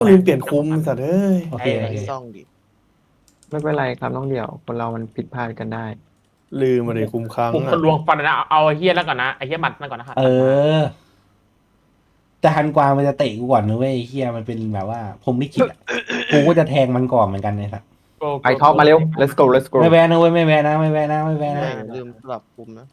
ลืมเปลี่ยนคุมสัตว์เอ้ยโอเคโอเคซ่องดิไม่เป็นไรครับน้องเดี่ยวคนเรามันผิดพลาดกันได้ลืมมาเลยคุมครั้งกูคนลวงฟันนะเอาไอ้เฮียแล้วก่อนนะไอ้เฮียหมัดนั่นก่อนนะครับเออแต่ฮันกวางมันจะเตะกูก่อนนะเว้ยไอ้เฮียมันเป็นแบบว่าผมลิขิตอะกูก็จะแทงมันก่อนเหมือนกันเลยครับไปท็อปมาเร็ว let's go let's go ไม่แวนนะเว้ยไม่แวนนะไม่แวนนะไม่แวนนะลืมสลับคุมนะ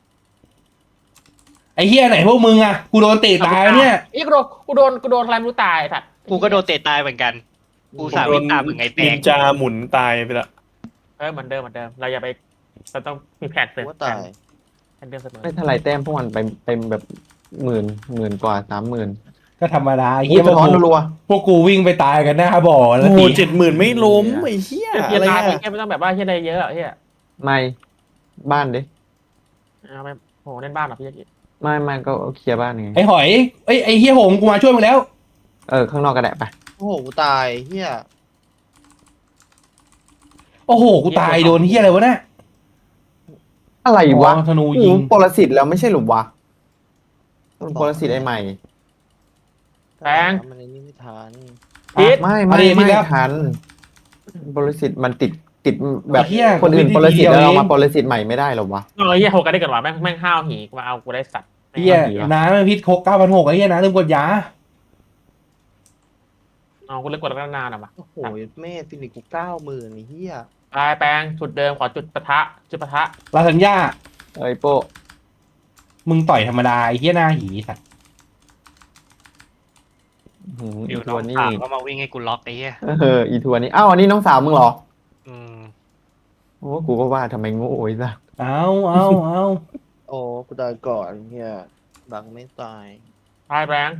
ไอ้เฮียไหนพวกมึงอะกูโดนเตะตายเนี่ยไอ้กูโดนอะไรไม่รู้ตายสัตว์กูก็โดนเตะตายเหมือนกัน กูสาวิ่งตามมึงไงแตนิกนจาหมุนตายไปละเหมือนเดิมเราอย่าไปเราต้องมีแผนเสริมว่าตายแผนเดิมเสมอไม่เท่าไรแต้มพวกมันไปเต็มแบบหมื่นกว่า30,000 ก็ธรรมดาไอ้อุ้เฮียยพสะวกท้อนกูรัวพวกกูวิ่งไปตายกันหน้าบ่อแล้โอ้วโหที 70,000ไม่ล้มไอ้เหี้ยเฮียอะไรตายไปอะเฮียไม่ต้องแบบว่าเฮียอะไรเยอะเฮียไม่บ้านดิเอาไปโหเล่นบ้านหรอพี่ยักษ์ไม่ก็เคลียร์บ้านไงไอ้หอยไอ้เฮียหงกูมาช่วยมึงแล้วข้างนอกก็ได้ไปโอ้โหกูตายเฮียโอ้โหกูตายโดนเฮียอะไรวะเนี่ยอะไรวะอ๋อธนูโอ้ยิงโหปรสิตแล้วไม่ใช่หรือวะมันปรสิตไอ้ใหม่มันไอ้นี่ไม่ทันพิษไม่ทันปรสิตมันติดแบบไอ้เหี้ยคนอื่นกูปรไม่ได้สิตทีเดียวแล้วเราเองมาปรสิตใหม่ไม่ได้หรอวะเฮียโหกันได้กันวะแม่งห้าวหีมาเอากูได้สัตว์เฮียน้ำมันพิษคก9,600ไอ้เฮียนะลืมกดยาเอากูเล่นกดแล้วนานอ่ะมาโอ้โหแม่ฟินิกกู90,000ไอ้เฮียตายแปลงจุดเดิมขอจุดปะทะลาสัญญาโป้มึงต่อยธรรมดาไอ้เฮียหน้าหีสัตว์เดี๋อียวน้ทัอวงนี่สาวก็มาวิ่งให้กูล็อกไอ้เหี้ยอีทัวนี่อ้าวอันนี้น้องสาวมึงเหรออืมโอ้กูก็ว่าทำไมโง่ไอ้สัสเอาโอ้กูตายก่อนเฮียบังไม่ตายตายแปลง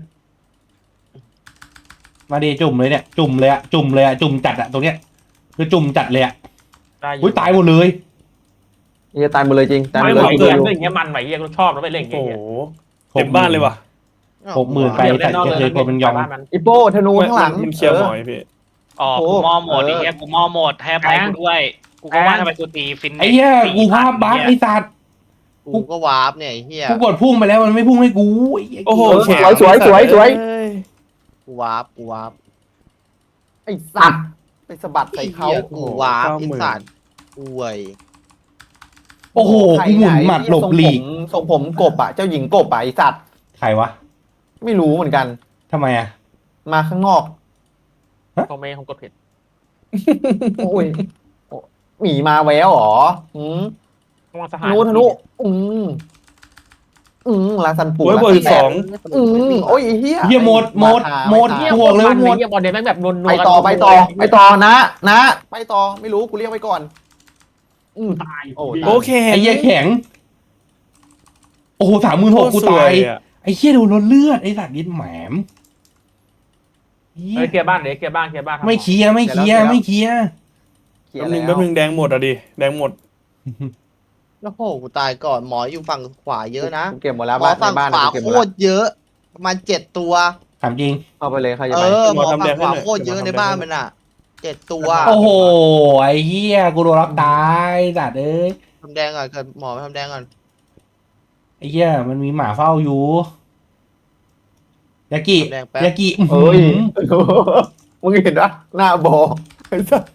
มาดีจุ่มเลยเนี่ยจุ่มเลยอะจุ่มเลยอะจุ่มจัดอะตรงเนี้ยคือจุ่มจัดเลยอะได้อยู่อุ้ยตายหมดเลยเฮียตายหมดเลยจริงตายหมไม่ดไหเลวย เกินเรื่องอย่างเงี้ยมันไหวเฮียกูชอบแล้วไปเล่นอโอ้ย่างโหเงี้ยเต็มบ้านเลยว่ะ 60,000ไปเดี๋ยวเล่แต่นนอกจะเลยเคยคนมันยองบ้านมันอีโป้ธนูข้างหลังมันเคลียร์หมอยพี่อ๋อโอ้กูมอหมดเออไอ้เหี้ยกูมอหมดให้อภัยกูด้วย กูก็ว่าทำไมกูตีฟินไอ้เหี้ยกูภาพบั๊กไอ้สัตว์กูก็วาร์ปเนี่ยไอ้เฮียกูกดพุ่งไปแล้วมันไม่พุ่งให้กูไอ้เหี้ยโอ้โหแขนสวยเอ้ยกูวาร์ปไอ้สัตว์ไปสะบัดใส่เขาไอ้หี้ยกูวาร์ปไอ้สัตว์อวยโอ้โหกูหมุนหมัดหลบหลีกทรงผมกบอ่ะเจ้าหญิงกบอ่ะไอ้สัตว์ใครวะไม่รู้เหมือนกันทำไมอะมาข้างนอกคอมเมนต์ของกดผิดโอ้ยหมีมาแววเหรอต้องมาสธหารนูลาซันปูโอ้ยเบอร์สองโอ้ยไอ้เฮียเหี้ยหมดเฮียห่วงเลยมันหมดเฮียบอลเดนแม่งแบบนวลไปต่อไปนะไปต่อไม่รู้กูเรียกไว้ก่อนตายโอ้โอเคไอ้เหี้ยแข็ง โอ้โห36,000กูตายอะไอ้เหี้ยโดนรถเลือดไอ้สัตว์ยินแหมมเหี้ยเคลียร์บ้านไม่เคลียร์ไม่เคลียร์ไม่เคลียร์เขียแป๊บนนึงแล้วแป๊บนึงแดงหมดอ่ะดิแดงหมดโอ้โหกูตายก่อนหมออยู่ฝั่งขวาเยอะนะกูเก็บหมดแล้วหมอฝั่งบ้านขวากูเก็บหโคมดแล้วตรเยอะประมาณ7 ตัวถามจริงเข้าไปเลยใครจะเอไปอหมอฝั่งขวาโคตรเยอะในบ้านมันอ่ะ7 ตัวโอ้โหไอ้เหี้ยกูโดนล็อกตายสัตว์เอ้ยทำแดงก่อนเกิดหมอไปทำแดงก่อนไอ้เหี้ยมันมีหมาเฝ้าอยู่ยากิทำแดงแป๊บยากิเอ้ยมึงเห็นปะหน้าบอไอ้สัส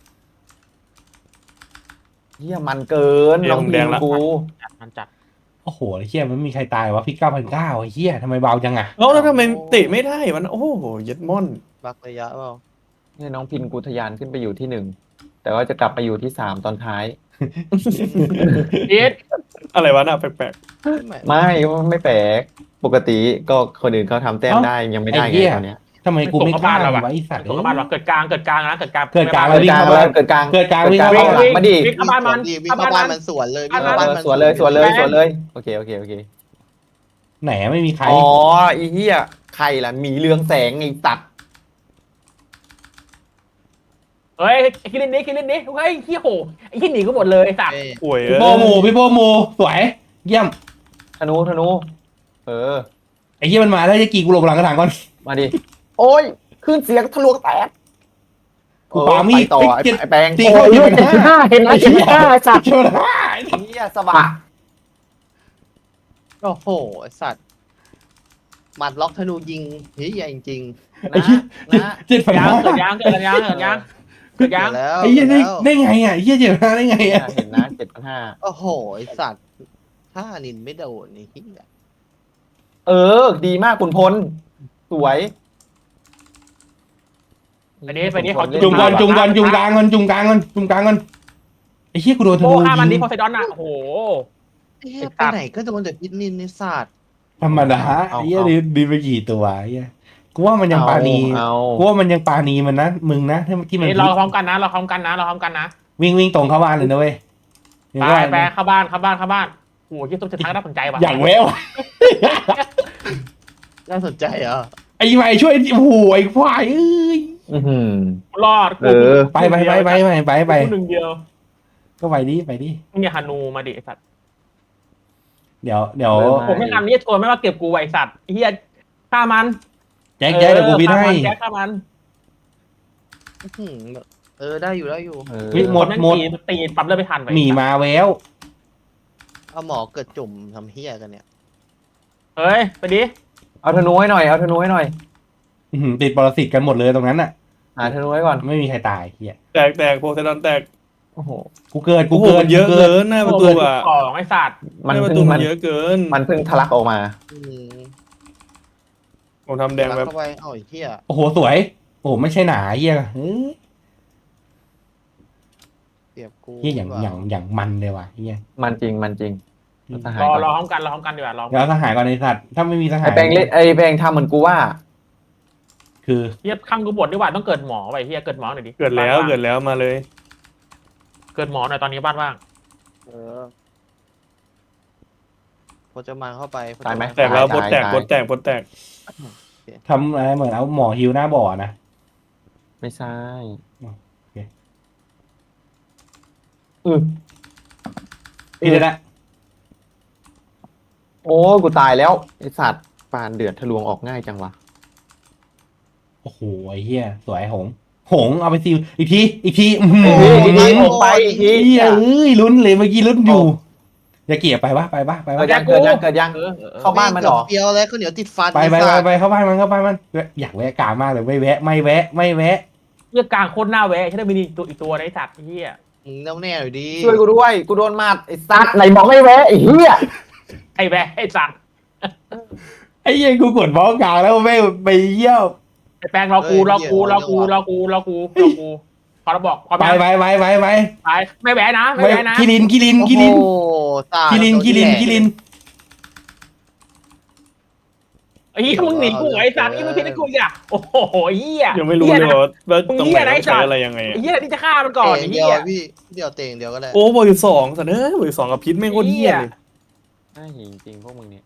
เฮียมันเกินน้องพิมกูมันจัดโอ้โหไอ้เหี้ยมันไม่มีใครตายวะพี่9,900ไอ้เหี้ยทำไมเบาจังอะแล้วทำไมเตะไม่ได้มันโอ้โหเย็ดม่อนบักระยะเปล่าเนี่ยน้องพินกูทะยานขึ้นไปอยู่ที่1แต่ว่าจะกลับไปอยู่ที่3ตอนท้ายพีทอะไรวะน่ะแปลกไม่แปลกปกติก็คนอื่นเขาทำแต้มได้ยังไม่ได้ไงตอนเนี้ยทำไมกูไม่กล้าวะไอ้สัตว์ตกบ้านวะเกิดกลางนะเกิดกลางเกิดกลางแล้ววิ่งกลางเข้าแล้บ้านวเกิดกลางเกิดกลางวิ่งเข้าเกิดกลางบ้านมาดิวิ่งเข้าบ้านมันวิ่งเข้าบ้านมันสวนเลยวิ่งเข้าบ้านมันสวนเลยโอเคไหนไม่มีใครอ๋อไอ้เหี้ยใครล่ะหมีเรืองแสงไอ้ตัดเฮ้ยคิรินนี้เฮ้ยขี้โหไอ้ขี้หนีก็หมดเลยสัตว์ๆป่วยพี่โบโมพี่โบโมสวยเยี่ยมธนูเออไอ้เหี้ยมันมาแล้วจะกี่กูหลบหลังกระถางก่อนมาดิโอ้ยขึ้นเสียงทะลวงแตกกูปามีดไปต่อไอ้เจ็ดไอ้แปงตีโอ้เข้ายเจ็ดห้าเห็นไหม75สัตว์เจ้าหน้าเหี้ยสะบัดโอ้โหไอ้สัตว์หมัดล็อกธนูยิงเฮ้ยใหญ่จริงไอ้เหี้ยนะยัง 7,500 เกิดยังเกิดยังเกิดยังเกิดเกิยัดงแล้วไอ้เหี้ยได้แล้วได้ไงอ่ะไอ้เหี้ย7,500ได้ไงเนี่ยอ่ะเห็นนะ7,500 โอ้โหไอสัตว์ถ้านินไม่โดนนี่เหี้ยเออ ดีมากคุณพลสวยไปดิขอจุ่มก่อนจุ่มก่อนจุ่มกลางก่อนจุ่มกลางก่อนจุ่มกลางก่อนไอ้เหี้ยกูโดนธโอ้นูฆ่ามันดิยิงโพไซดอนอ่ะโอ้โหเอ๊ะไปไหนก็โดนแต่พิษนินในศาสตร์ธรรมดาไอ้เหี้ยดีไปกี่ตัวไอ้เหี้ยกูว่ามันยังปาณีเอากูว่ามันยังปาณีมันนะมึงนะที่มันนี่เราพร้อมกันนะเราพร้อมกันนะเราพร้อมกันนะวิ่งตรงเข้าบ้านเลยนะเว้ยไปเข้าบ้านโอ้โหที่ซุปจะทักน่าสนใจว่ะอย่างแววน่าสนใจเหรอไอ้ใหม่ช่วยโอ้โหไอ้ควายเอ้ยอื้อหือรอดเออไปกูหนึ่งเดียวก็ไปดิมึงอย่าฮานูมาดิไอสัตว์เดี๋ยวผมไม่ทำนี่ชวนไม่มาเก็บกูไอสัตว์เฮียฆ่ามันแจ็คเดี๋ยวกูพิดให้แจ็คฆ่ามันอื้อหือได้อยู่เออเฮ้ยหมดตีปรับเลือดไม่ทันไปหมีมาแววเอาหมอเกิดจุ่มทำเฮียกันเนี่ยเฮ้ยไปดิเอาธนูให้หน่อยเอาธนูให้หน่อยติดปรสิตกันหมดเลยตรงนั้นน่ะหาธนูไว้ก่อนไม่มีใครตายเฮียแตกโพไซดอนแตกโอ้โหกูเกิดโอ้โหมันเยอะเกินหน้าประตูอ่ะของไอสัตว์มันหน้าประเพิ่ตูงมัมัน นเยอะเกินมันเพิ่งทะลักออกมาอืมผมทำแดงแบบเข้าไปเอาไอ้เฮียโอ้โหสวยโอ้โหไม่ใช่หนาเฮียเสียบกูเฮียอย่างมันเลยว่ะเฮียมันจริงทหารรอก่อนพร้อมกันดีกว่ารอเดี๋ยวทหารก่อนไอ้สัตว์ถ้าไม่มีทหารไอ้แปลงเล่นไอ้แปลงทำเหมือนกูว่าคือเฮียข้างกูบดดีกว่าต้องเกิดหมอไปเฮียเกิดหมอหน่อยดิเกิดแล้วมาเลยเกิดหมอหน่อยตอนนี้บ้านว่างเออพอจะมาเข้าไปตายไหมแตกแล้วตายโพสแตกตายโพสแตกโพสแตกทำอะไรเหมือนเอาหมอฮิวหน้าบ่อนะไม่ใช่โอเคเดี๋ยวนะโอ้กูตายแล้วไอสัตว์ปานเดือดทะลวงออกง่ายจังวะโอ้โหไอ้เฮียสวยหงเอาไปซิวอีกทีอีกทีอีกทีผมไปอีกทีเฮียเอ้ยลุ้นเลยเมื่อกี้ลุ้นอยู่อย่าเกี่ยไปวะเกิดยังเข้าบ้านมันหรอเดียวแล้วข้าวเหนียวติดฟันไปไอ้สัตว์เข้าบ้านมันอยากแวะกลางมากเลยไม่แวะเฮียกลางโคตรหน้าแวะใช่ได้มีอีกตัวในสัตว์เฮียมึงแน่วแน่หน่อยดีช่วยกูด้วยกูโดนหมัดไอสัตว์ไหนบอกไม่แวะไอ้เหี้ยไอแวะไอสัตว์ไอ้เหี้ยกูกดบล็อกกลางแล้วไม่ไปเยี่ยวไอแปลงรอกูพอเราบอกพอไปไปไม่แวะนะไม่แวะนะกิลินโอ้โหตายกิลินไอ้เหี้ยมึงหนีกูไอ้สัตว์นี่มึงพิจารณากูอ่ะโอ้โหเหี้ยยังไม่รู้เลยว่าตรงไหนต้องใช้อะไรยังไงไอ้เหี้ยที่จะฆ่ามันก่อนเตะไอ้เดียเหี้วย พี่เดียวเตะเดียวก็ได้โอ้เบอร์สองสันเอ้ยเบอร์สองกับพิษไม่งโคตรเหี้ยเลยน่าหิวจริงพวกมึงเนี่ย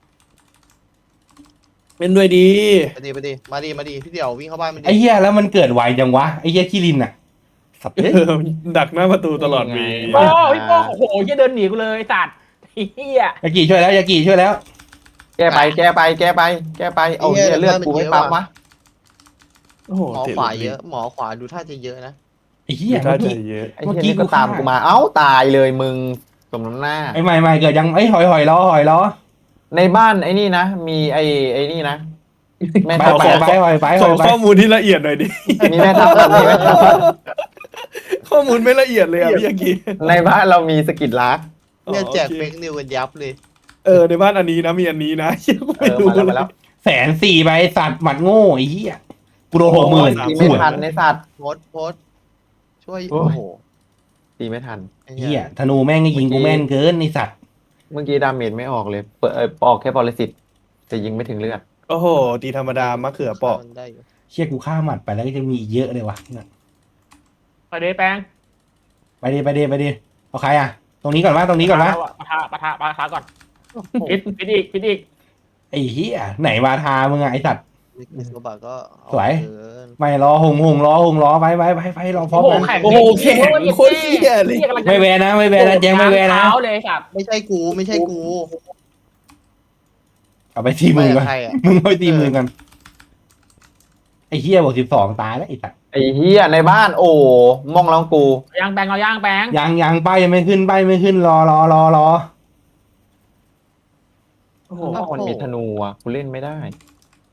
เป็นด้วยดีไปดีมาดีพี่เดียววิ่งเข้าบ้านมันไอ้เหี้ยแล้วมันเกิดไวจังวะไอ้เหี้ยกิลินอ่ะสับดักหน้าประตูตลอดวีโอ้พี่โป้โอ้โหเหี้ยเดินหนีกูเลยสัตว์ไอ้เหี้ยยากิช่วยแล้วแก้ไปเอาเหี้ยเลือดกูไม่ปั๊มวะโอ้โหหมอขวาเยอะหมอขวาดูท่าจะเยอะนะไอ้เหี้ยถ้าจะเยอะไอ้เหี้ยนี่ก็ตามกูมาเอ้าตายเลยมึงสมน้ำหน้าไอ้ใหม่เกิดยังไอ้หอยล้อในบ้านไอ้นี่นะมีไอ้นี่นะแม่ไปทัพไปขอข้อมูลที่ละเอียดหน่อยดิมีแม่ทัพมีแม่ทัพข้อมูลไม่ละเอียดเลยอ่ะพี่ยากิในบ้านเรามีสกิดลักเนี่ยแจกเฟกนิวกันยับเลยในบ้านอันนี้นะมีอันนี้นะยังไม่รู้มาแล้ว 140,000ไปสัตว์หมัดโง่ไอ้เหี้ยกูโดน60,000 ตีไม่ทันในสัตว์โพสช่วยโอ้โอ้ยโหตีไม่ทันเหี้ยธนูแม่งก็ยิงกูแม่นเกินไอ้สัตว์เมื่อกี้ดาเมจไม่ออกเลยเปิดออกแค่ปรสิตแต่ยิงไม่ถึงเลือดโอ้โหตีธรรมดามะเขือเปาะได้อยู่เชี่ยกูฆ่าหมัดไปแล้วก็จะมีอีกเยอะเลยวะไปเดแปลงไปดิเอาใครอ่ะ ตรงนี้ก่อนวะปะทะก่อนพิดอีกไอ้เหี้ยไหนมาทามึงอะไอ้สัตว์มิสโกบะก็สวยเกินไม่รอหงล้อไปรอพร้อมกันโอ้โหแข็งโคตรเหี้ยเลยไม่แวนะแจ้งไม่แวนะเท้าเลยสัตว์ไม่ใช่กูเอาไปตีมือก่อนใครอ่ะมึงเอาไปตีมือกันไอ้เหี้ย12ตายแล้วไอ้สัตว์ไอ้เฮียในบ้านโอ้มองลองกูย่างแปลงเอาย่างแปลงยังป้ายยังไม่ขึ้นรอโอ้โหมันมีธนูอ่ะกูเล่นไม่ได้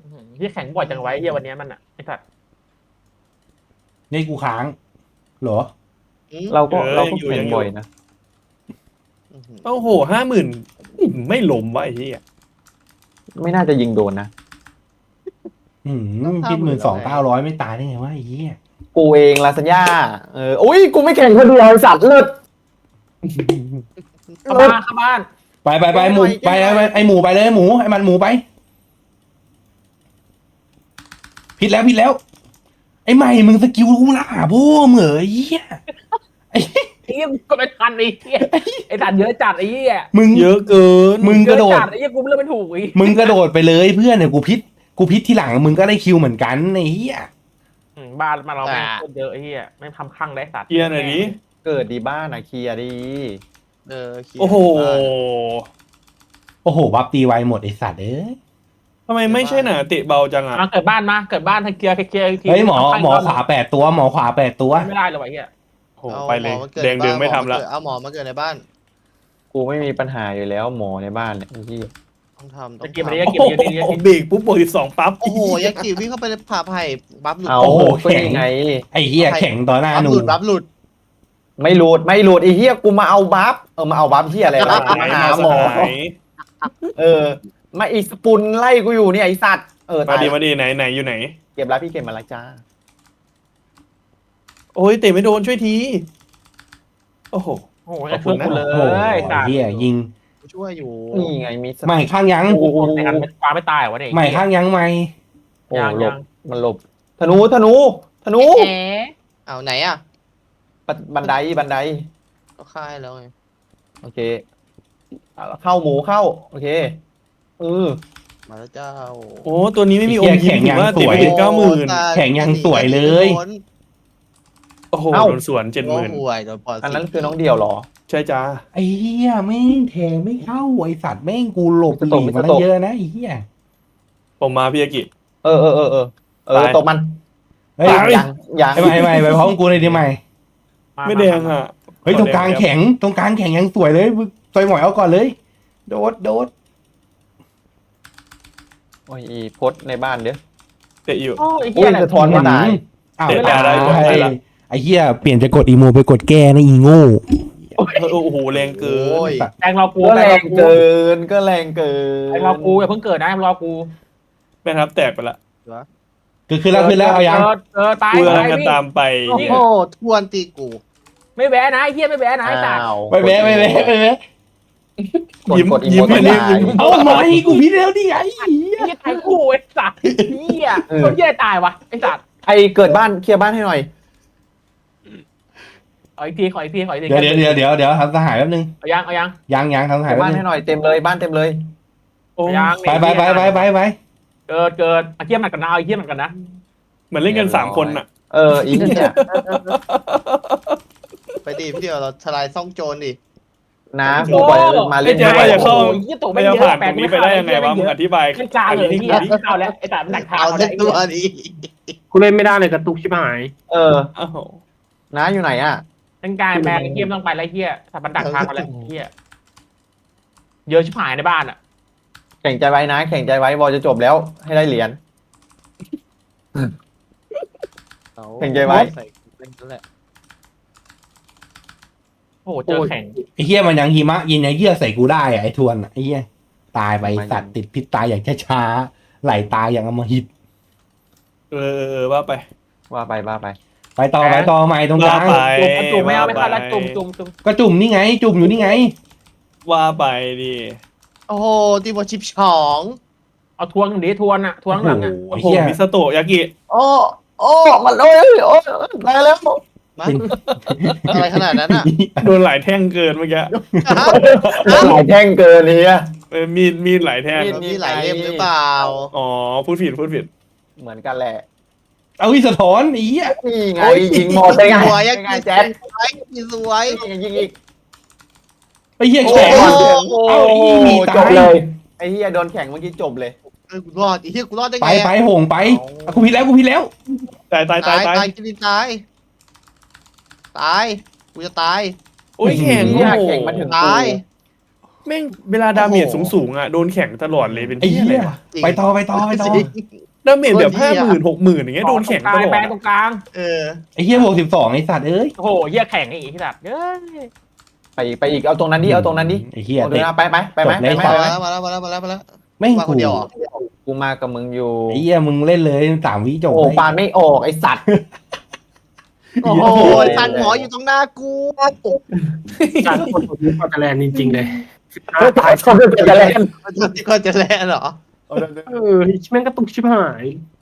ที่แข่งบ่อยจังไว้เฮียวันนี้มันอ่ะไอ้สัตว์นี่กูค้างเหรอเราก็แข่งบ่อยนะโอ้โห50,000ไม่ล้มวะไอ้เหี้ยไม่น่าจะยิงโดนนะคิด12,900ไม่ตายได้ไงวะไอ้เหี้ยกูเองลาซานญ่าอุ้ยกูไม่แข่งคนเดียวไอ้สัตว์เลิศเข้าบ้านเข้าบ้านไปหมูไปไอหมูไปเลยหมูไอมันหมูไปผิดแล้วไอใหม่มึงสกิลกูละโบ้เหมือไอ้เหี้ยไอ้เหี้ยก็ไม่ทันไอ้เหี้ยไอ้สัตว์เยอะจัดไอ้เหี้ยมึงเยอะเกินมึงกระโดดเยอจัไอ้เหี้ยกูเลือกไม่ถูกอีกมึงกระโดดไปเลยเพื่อนเนี่ยกูพิษที่หลังมึงก็ได้คิวเหมือนกันไอ้เหี้ยบ้านมาเราไม่คนเยอะไอ้เหี้ยไม่ทำข้างได้สัตว์เคลียร์หน่อยดิเกิดดีบ้านอะเคลียร์ดีโอ้โหโอ้โหบัฟตีไวหมดไอสัตว์เอ้ยทำไมไม่ใช่หนาเตะเบาจังอ่ะมาเกิดบ้านเคลียร์เฮ้ยหมอขวา8 ตัวหมอขวา8 ตัวไม่ได้เลยไอ้เหี้ยโอ้โหไปเลยแดงดึงไม่ทำละเอาหมอมาเกิดในบ้านกูไม่มีปัญหาอยู่แล้วหมอในบ้านเนี่ยไอ้ที่ต้องทำจะกินทำไปดิโอ้โหเบรกปุ๊บบวก12ปั๊บโอ้โหยากิวิ่งเข้าไปในผ่าไผ่บัฟหลุดเอาโอ้โหก็ยังไงไอ้เหี้ยแข่งต่อหน้าบัฟหนูหลุดบัฟหลุดไม่หลุดไอ้เหี้ยกูมาเอาบัฟมาเอาบัฟเหี้ยอะไรล่ะมาหาหมอมาอีสปุนไล่กูอยู่เนี่ยไอสัตว์มาตายดีไหนอยู่ไหนเก็บแล้วพี่เก็บมาแล้วจ้าโอ้ยเตะไม่โดนช่วยทีโอ้โหโอ้โหจะช่วยกูเลโอ้โหยสัตว์เหี้ยยิงช่วยอยู่นี่ไงมีใหม่ข้างยังโอ้โหแต่กันปลาไม่ตายวะเนี่ยใหม่ข้างยังใหม่โอ้ยังหลยับงมันหลบธนูเอาไหนอ่ะบันไดก็ค่ายแล้วไงโอเคเข้าหมูเข้าโอเคมาแล้วเจ้าโอ้ตัวนี้ไม่มีอมยิ้มถือว่าเตะไปถึง90,000 แข่งยังสวยเลยโอ้โหโดนสวนโอ้ห่วยโดนปอดอันนั้นคือน้องเดียวเหรอใช่จ้าไอ้เหี้ยแม่งแทงไม่เข้าไอสัตว์แม่งกูหลบหลีกมาเยอะนะไอ้เหี้ยผมมาพี่อากิตกมันเฮ้ยยังไอ้ใหม่ไปพร้อมกูเลยดิใหม่ไม่แดงอ่ะเฮ้ยตรงกลางแข็งยังสวยเลยต่อยหมอยเอาก่อนเลย โดดโอ้ยอีพดในบ้านเด้อเตะอยู่โอ้ไอ้เหี้ยอะไรสะท้อนไม่ตายอ้าวเตะได้ไอ้เหี้ยเปลี่ยนจากกดอีโมไปกดแก้นะอีโง่โอ้โหแรงเกินแตงเรากูก็แรงเกินแแตงเรากูอย่าเพิ่งเกิดนะรอกูแม่ทัพแตกไปละคือแล้วเอายังตายกูกำลังจะตามไปโอ้โหทวนตีกูไม่แวะนะไอ้เหี้ยไม่แวะนะไอ้สัตว์ไม่แพ้ยิ้มยิ้มอันนี้ยิ้มเอาใหม่กูพิดแล้วดิไอ้เหี้ยไอ้เหี้ยตายกูไอ้สัตว์เหี้ยคนเหี้ยตายวะไอ้สัตว์ใครเกิดบ้านเคลียร์บ้านให้หน่อยขออีกทีเดี๋ยวทำสหายแป๊บนึงเอายังทำสเคหายลียร์แป๊บบ้านนึให้งหน่อยเต็มเลยบ้านเต็มเลยโอ้ยังไปเกิดเอาเหี้ยมันกันนะเอาเหี้ยมันกันนะเหมือนเล่นกัน3 คนอ่ะอีกเนี่ยไปดิพี่เดียวเราทลายซ่องโจรดินะกูปล่อยมาเล่นไอ้แจ๊คว่าจะเข้าเหี้ยตัวไม่ไม่จะเยผ่าอะนตรงนี้ไปได้ยังไงวะมึงอธิบายขึ้นกลางเลยเหี้ยเอาแล้วไอ้สัตว์มันหนักทางเอาเอาเส้แล้วนตัวดิกูเล่นไม่ได้เลยกระตุกชิบหายอ้าวน้าอยู่ไหนอ่ะขึ้นกลางแบงเหี้ยต้องไปแล้วเหี้ยสัตว์มันดักทางมาแล้วเหี้ยเยอะชิบหายในบ้านอ่ะแข่งใจไว้นะแข่งใจไว้บอลจะจบแล้วให้ได้เหรียญ แข่งใจไว้ใส่เป็นนั่นแหละโอ้โหเจอแข่งไอ้เหี้ยมันยังหิมะยินไอ้เหี้ยใส่กูได้อะไอ้ทวนไอ้เหี้ยตายไปสัตว์ติดพิษตายอย่างช้าๆไหลตายอย่างอมหิตว่าไปว่าไปไปต่อใหม่ตรงกลางว่าไปจุ่มไม่เอาไม่ทันแล้วจุ่มก็จุ่มนี่ไง จุ่มอยู่นี่ไงว่าไปดิโอ้โหตีบอลชิปฉองเอาทวงดิทวนอ่ะทวงหลังอ่ะโอ้โอ้โหโหเหี้ยมิสโตะยากิโอ้มันได้แล้วมาอะไรขนาดนั้นอ่ะโดนหลายแท่งเกินเมื่อกี้หลายแท่งเกินเนี่ยมีดหลายแท่งมีหลายเล่มหรือเปล่าอ๋อพูดผิดเหมือนกันแหละเอาวิสะท้อนไอ้เหี้ยนี่ไงยิงหมดได้ไงสวยยังไงกินแจ๊ดสวยยิงอีกไอ้เหี้ยแข็ง เอาอีหมีตายจบเลยไอ้เฮียโดนแข่งเมื่อกี้จบเลยกูรอดอีเหี้ยกูรอดได้ไปไงหงไปกูผิดแล้วตายตายกินตายกูจะตายโอ้ยแข่งเหี้ยแข่งมาถึงตายแม่งเวลาดาเมจสูงๆอ่ะโดนแข่งตลอดเลยเป็นไอ้ที่อะไรเหี้ยวะจริงไปต่อจริงดาเมจแบบ50,000 60,000อย่างเงี้ยโดนแข่งตลอดแปลอะตรงกลางเออไอ้เหี้ยบวก12ไอ้สัตว์เอ้ยโอ้โหเหี้ยแข่งอีกที่ดัดเอ้ยไปอีกเอาตรงนั้นดิเอาตรงนั้นดิไอ้เหี้ยเอาตรงเตะนั้นไปไหมไปไหมจบเลยไปมาไหมแล้วมาแล้วมาแล้วมาแล้วมาแล้วไม่งมาคกูนเดียวเหรอกูมากับมึงอยู่ไอ้เหี้ยมึงเล่นเลย3 วิจบโอ้เลยปานไม่ออกไอสัตว์โอ้โหตันหมออยู่ตรงหน้ากูการกดตัวนี้ก็จะแรงจริงๆเลยตายคนเป็นจะเล่นก็จะแล่นเหรอแม่งกระตุกชิบหาย